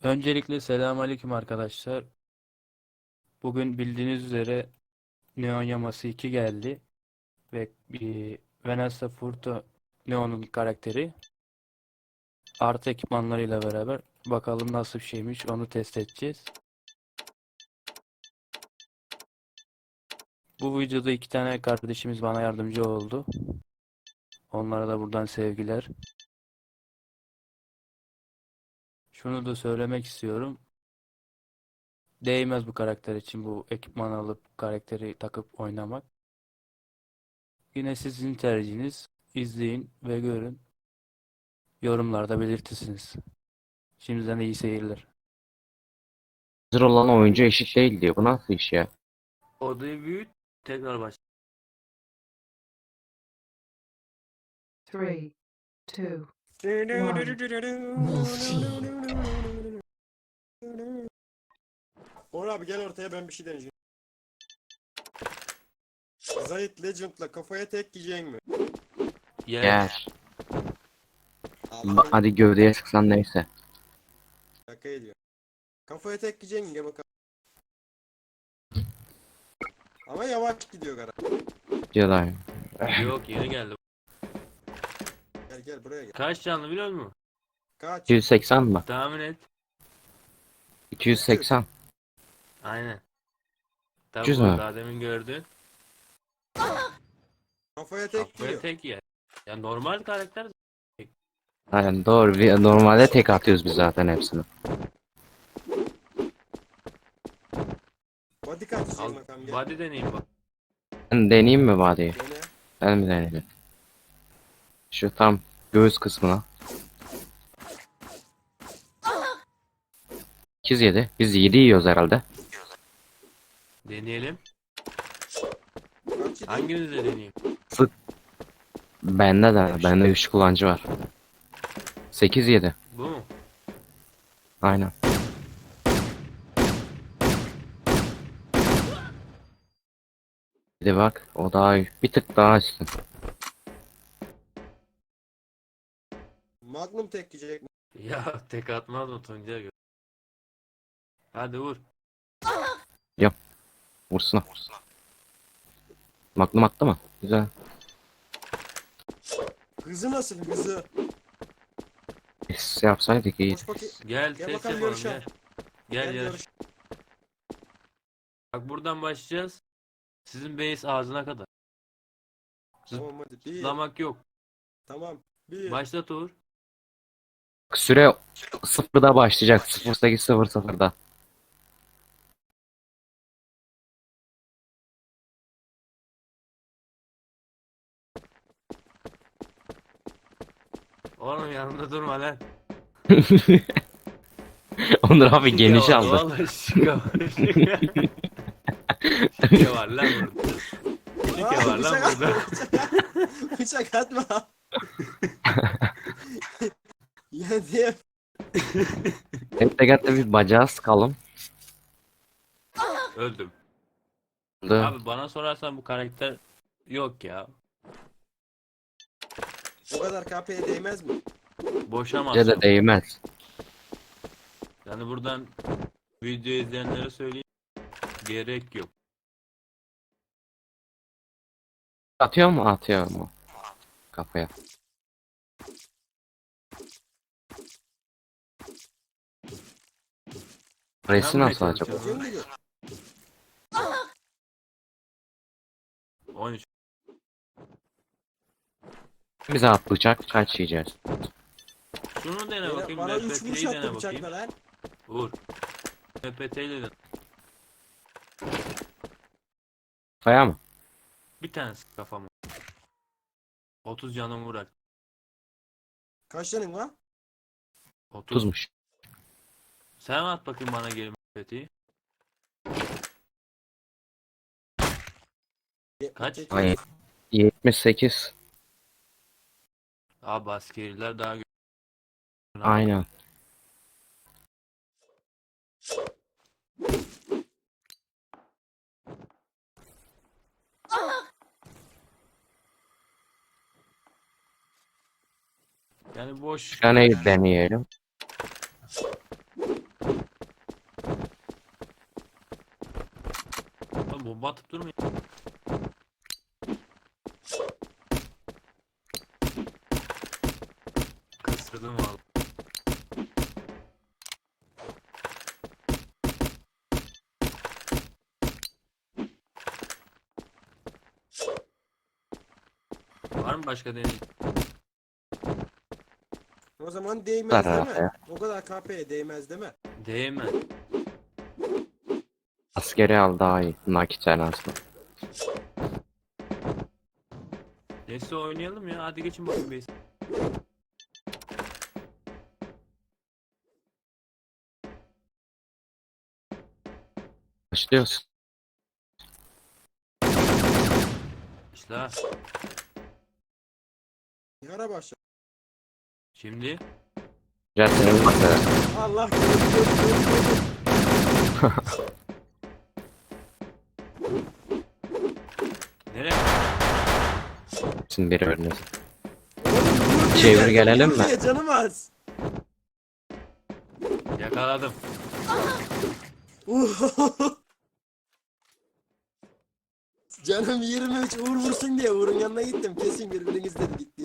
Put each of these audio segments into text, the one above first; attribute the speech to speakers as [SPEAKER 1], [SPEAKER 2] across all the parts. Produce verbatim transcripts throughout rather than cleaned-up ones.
[SPEAKER 1] Öncelikle selamünaleyküm arkadaşlar. Bugün bildiğiniz üzere Neon Yaması iki geldi ve bir Vanessa Furto Neon'un karakteri artı ekipmanlarıyla beraber bakalım nasıl bir şeymiş onu test edeceğiz. Bu videoda iki tane kardeşimiz bana yardımcı oldu. Onlara da buradan sevgiler. Şunu da söylemek istiyorum. Değmez bu karakter için bu ekipman alıp karakteri takıp oynamak. Yine sizin tercihiniz. İzleyin ve görün. Yorumlarda belirtirsiniz. Şimdiden iyi seyirler.
[SPEAKER 2] Hazır olan oyuncu eşit değil diyor. Bu nasıl iş ya?
[SPEAKER 1] Odayı büyüt, tekrar baş.
[SPEAKER 3] Three, two, one. Multi.
[SPEAKER 4] Onur abi gel ortaya, ben bir şey deneyeceğim. Zayt Legend'la kafaya tek yiyecek mi?
[SPEAKER 1] Yer.
[SPEAKER 2] Gel.
[SPEAKER 4] Allah
[SPEAKER 2] Hadi gövdeye sıksan neyse.
[SPEAKER 4] şaka ediyor. Kafaya tek yiyecek mi? Gel bakalım. Ama yavaş gidiyor gara.
[SPEAKER 2] Jedi.
[SPEAKER 1] Yok, yeni geldi.
[SPEAKER 4] Gel gel buraya gel.
[SPEAKER 1] Kaç canlı biliyor musun?
[SPEAKER 4] Kaç?
[SPEAKER 2] iki yüz seksen mı?
[SPEAKER 1] Tahmin et.
[SPEAKER 2] iki yüz seksen.
[SPEAKER 1] Aynen. Tabii
[SPEAKER 2] üç yüz
[SPEAKER 1] bu
[SPEAKER 2] mü?
[SPEAKER 1] daha demin gördün.
[SPEAKER 4] Kafaya tek
[SPEAKER 1] Kafaya
[SPEAKER 4] yiyor.
[SPEAKER 1] tek yer. Ya normal karakter.
[SPEAKER 2] Aynen doğru. Bir- Normalde tek atıyoruz biz zaten hepsini.
[SPEAKER 4] Body kaç
[SPEAKER 1] Al,
[SPEAKER 4] yiyecek bakalım gel.
[SPEAKER 1] body deneyeyim bak.
[SPEAKER 2] Ben deneyeyim mi body'yi?
[SPEAKER 4] Dene.
[SPEAKER 2] Ben mi deneyeyim? Şu tam göğüs kısmına. sekiz yedi. Biz yedi yiyoruz herhalde.
[SPEAKER 1] Deneyelim.
[SPEAKER 4] Kaç yiyecek?
[SPEAKER 1] Hanginize deneyeyim?
[SPEAKER 2] Bende de. Bende güçlü kullanıcı var. sekiz yedi.
[SPEAKER 1] Bu mu?
[SPEAKER 2] Aynen. Bir de bak. O daha bir tık daha üstün.
[SPEAKER 4] Magnum tek yiyecek mi?
[SPEAKER 1] Ya tek atmaz mı Tuncay gö- Hadi vur.
[SPEAKER 2] Vursuna. Magnum attı mı? Güzel.
[SPEAKER 4] Hızı nasıl hızı?
[SPEAKER 2] Biz yapsaydık iyi.
[SPEAKER 4] Koş bakayım.
[SPEAKER 1] Gel
[SPEAKER 4] Gel
[SPEAKER 1] test
[SPEAKER 4] bakalım
[SPEAKER 1] yapalım
[SPEAKER 4] yarışa.
[SPEAKER 1] gel. Gel
[SPEAKER 4] Gel
[SPEAKER 1] yarış.
[SPEAKER 4] yarış.
[SPEAKER 1] Bak buradan başlayacağız. Sizin base ağzına kadar.
[SPEAKER 4] Tamam hadi. Bir.
[SPEAKER 1] Zıplamak yok.
[SPEAKER 4] Tamam. Bir.
[SPEAKER 1] Başlat Uğur.
[SPEAKER 2] Süre sıfırda başlayacak. sıfır sekiz sıfır sıfırda.
[SPEAKER 1] Oğlum yanımda durma lan.
[SPEAKER 2] Onur abi
[SPEAKER 1] Şike
[SPEAKER 2] geniş
[SPEAKER 1] var,
[SPEAKER 2] aldı.
[SPEAKER 1] vallahi şike var. Şike, şike var lan burada. Şike
[SPEAKER 4] Aa,
[SPEAKER 1] var lan
[SPEAKER 4] bıçak
[SPEAKER 1] burada.
[SPEAKER 4] atma. Bıçak atma. Ya diye.
[SPEAKER 2] Hep tekerle bir bacağı sıkalım.
[SPEAKER 1] Öldüm.
[SPEAKER 2] Oldu.
[SPEAKER 1] Abi bana sorarsan bu karakter yok ya.
[SPEAKER 4] O kadar K P'ye değmez mi?
[SPEAKER 1] Boşa
[SPEAKER 2] Bize de
[SPEAKER 1] masraf.
[SPEAKER 2] değmez.
[SPEAKER 1] Yani buradan video izleyenlere söyleyeyim. Gerek yok.
[SPEAKER 2] Atıyor mu? Atıyor mu? Kafaya. Resi
[SPEAKER 1] Ben
[SPEAKER 2] nasıl
[SPEAKER 1] buraya
[SPEAKER 2] acaba?
[SPEAKER 1] çalışıyorum.
[SPEAKER 4] Kim bilir?
[SPEAKER 1] on üç.
[SPEAKER 2] Bize at bıçak kaç yiyeceğiz?
[SPEAKER 1] Şunu dene
[SPEAKER 4] Bana,
[SPEAKER 1] bakayım.
[SPEAKER 4] bana üç
[SPEAKER 1] M P T'yi
[SPEAKER 4] vuruş
[SPEAKER 1] dene
[SPEAKER 4] attı
[SPEAKER 1] bakayım.
[SPEAKER 4] bıçakla lan.
[SPEAKER 1] Vur. M P T ile dene.
[SPEAKER 2] Kafaya mı?
[SPEAKER 1] Bir tanesi kafama. otuz canım vur.
[SPEAKER 4] Kaç canın var?
[SPEAKER 1] otuz.
[SPEAKER 2] Tuzmuş.
[SPEAKER 1] Sen at bakayım bana geri M P T'yi. Kaç?
[SPEAKER 2] Hayır. yetmiş sekiz.
[SPEAKER 1] Abi askeriler daha gö-
[SPEAKER 2] Aynen.
[SPEAKER 1] Yani boş.
[SPEAKER 2] Bir tane deneyelim.
[SPEAKER 5] bomba atıp durmayın. Kısırdım valla. Var mı başka deney?
[SPEAKER 4] O zaman değmez
[SPEAKER 2] Var
[SPEAKER 4] değil
[SPEAKER 2] abi
[SPEAKER 4] mi?
[SPEAKER 2] ya.
[SPEAKER 4] O kadar K P'ye değmez değil mi?
[SPEAKER 5] Değme.
[SPEAKER 2] Askeri al daha iyi. Nakit aslında.
[SPEAKER 5] Neyse oynayalım ya. Hadi geçin bakayım base.
[SPEAKER 2] Başlıyoruz.
[SPEAKER 5] İşte
[SPEAKER 4] Bir ara başla.
[SPEAKER 5] şimdi
[SPEAKER 2] Jet'in mesela.
[SPEAKER 4] Allah korusun.
[SPEAKER 5] nereye?
[SPEAKER 2] Şimdi bir örneğin.
[SPEAKER 4] Oğlum,
[SPEAKER 2] Çevir
[SPEAKER 4] diye,
[SPEAKER 2] gelelim
[SPEAKER 4] vur
[SPEAKER 2] mi?
[SPEAKER 4] diye, canım az.
[SPEAKER 5] Yakaladım.
[SPEAKER 4] Canım yirmi üç, Uğur vursun diye Uğur'un yanına gittim. Kesin birbiriniz dedi gitti.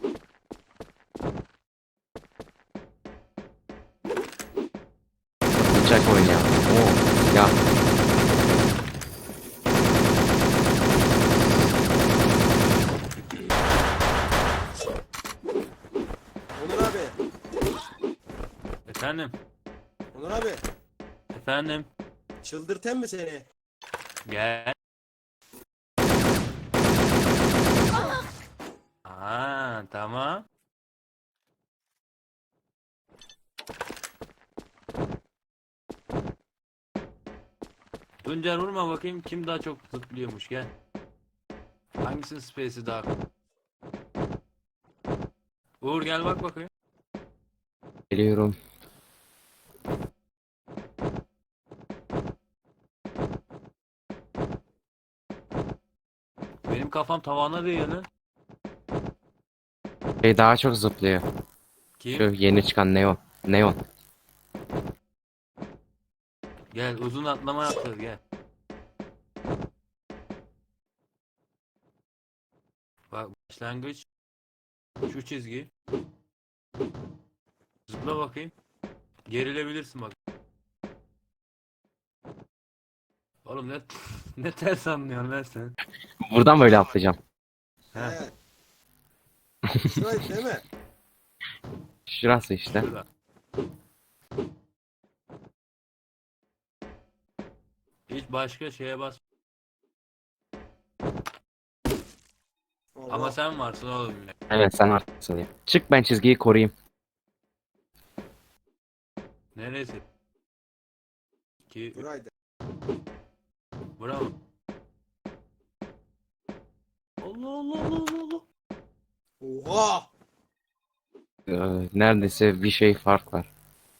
[SPEAKER 2] Bıçak oynayalım. Oo. Ya.
[SPEAKER 4] Onur abi.
[SPEAKER 5] Efendim.
[SPEAKER 4] Onur abi.
[SPEAKER 5] Efendim.
[SPEAKER 4] Çıldırten mi seni?
[SPEAKER 5] Gel. Aa, tamam. Tuncer vurma bakayım kim daha çok zıplıyormuş gel. Hangisinin space'i daha? Uğur gel bak bakayım.
[SPEAKER 2] Geliyorum.
[SPEAKER 5] Benim kafam tavana değiyor lan.
[SPEAKER 2] Şey daha çok zıplıyor.
[SPEAKER 5] Kim?
[SPEAKER 2] Şu yeni çıkan Neon. Neon.
[SPEAKER 5] Gel uzun atlama yapacağız gel. Bak başlangıç. Şu çizgi. Zıpla bakayım. Gerilebilirsin bak. Oğlum ne ne ters anlıyorsun lan sen.
[SPEAKER 2] Buradan böyle atlayacağım.
[SPEAKER 5] He.
[SPEAKER 4] He. Şurayı değil mi?
[SPEAKER 2] Şurası işte.
[SPEAKER 5] Şurada. Hiç başka şeye bas.
[SPEAKER 4] Allah.
[SPEAKER 5] Ama sen varsın oğlum yine.
[SPEAKER 2] Evet sen artıksın ya. Çık ben çizgiyi koruyayım.
[SPEAKER 5] Neresi? Ki
[SPEAKER 4] Buraydı.
[SPEAKER 5] bravo. Allah Allah Allah Allah Allah.
[SPEAKER 4] Oha!
[SPEAKER 2] Ee, neredeyse bir şey fark var.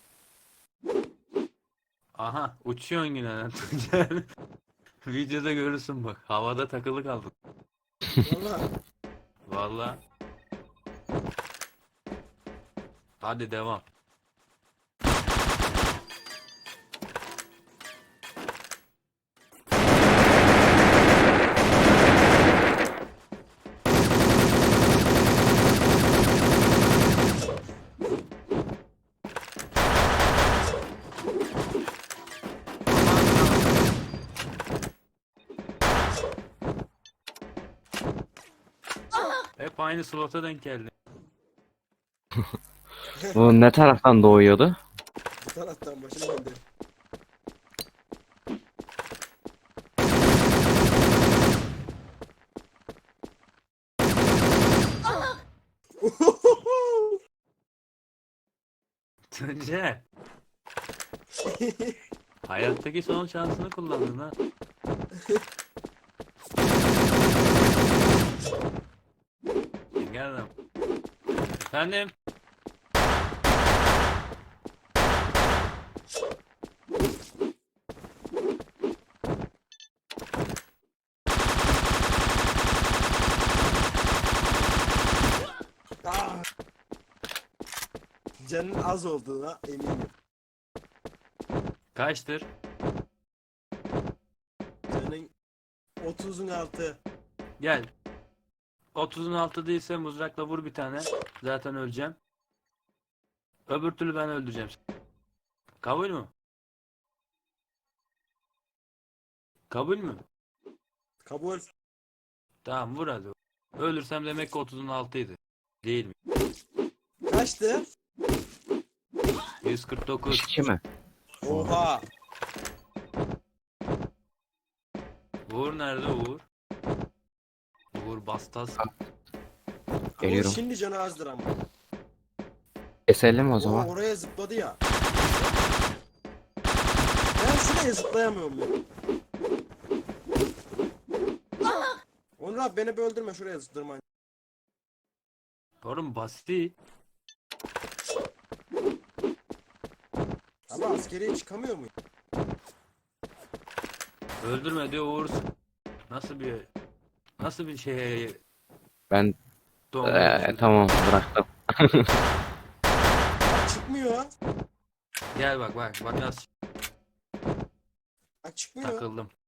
[SPEAKER 5] Aha uçuyorsun yine lan Tuncer. Videoda görürsün bak. Havada takılı kaldın.
[SPEAKER 4] Valla.
[SPEAKER 5] Vallahi. Hadi devam. Hep aynı slota denk geldi.
[SPEAKER 2] Bu ne taraftan doğuyordu?
[SPEAKER 4] Bu taraftan başım döndü.
[SPEAKER 5] Tuncer. Hayattaki son şansını kullandın ha. Gel lan. Efendim?
[SPEAKER 4] Ah! Canın az olduğuna eminim.
[SPEAKER 5] Kaçtır?
[SPEAKER 4] Canın otuzun altı.
[SPEAKER 5] Gel. otuzun altı değilse mızrakla vur bir tane. Zaten öleceğim. Öbür türlü ben öldüreceğim seni. Kabul mü? Kabul mü?
[SPEAKER 4] Kabul.
[SPEAKER 5] Tamam vur hadi. Ölürsem demek ki otuzun altıydı. Değil mi?
[SPEAKER 4] Kaçtı?
[SPEAKER 5] yüz kırk dokuz.
[SPEAKER 2] İki mi?
[SPEAKER 4] Oha.
[SPEAKER 5] Uğur nerede Uğur? Uğur Bastas.
[SPEAKER 4] Uğur
[SPEAKER 2] Geliyorum.
[SPEAKER 4] şimdi canı azdır ama.
[SPEAKER 2] Keselim o
[SPEAKER 4] O
[SPEAKER 2] zaman.
[SPEAKER 4] oraya zıpladı ya. Ben şuraya zıplayamıyorum ya. Onur abi beni bir öldürme, şuraya zıplarma.
[SPEAKER 5] Oğlum basit.
[SPEAKER 4] Ama askeriye çıkamıyor muyum?
[SPEAKER 5] Öldürme diyor Uğur. Nasıl bir nasıl bir şey
[SPEAKER 2] Ben
[SPEAKER 5] doğum
[SPEAKER 2] Ee, tamam bıraktım.
[SPEAKER 4] Çıkmıyor.
[SPEAKER 5] Gel bak bak bak nasıl
[SPEAKER 4] Bak çıkmıyor.
[SPEAKER 5] takıldım.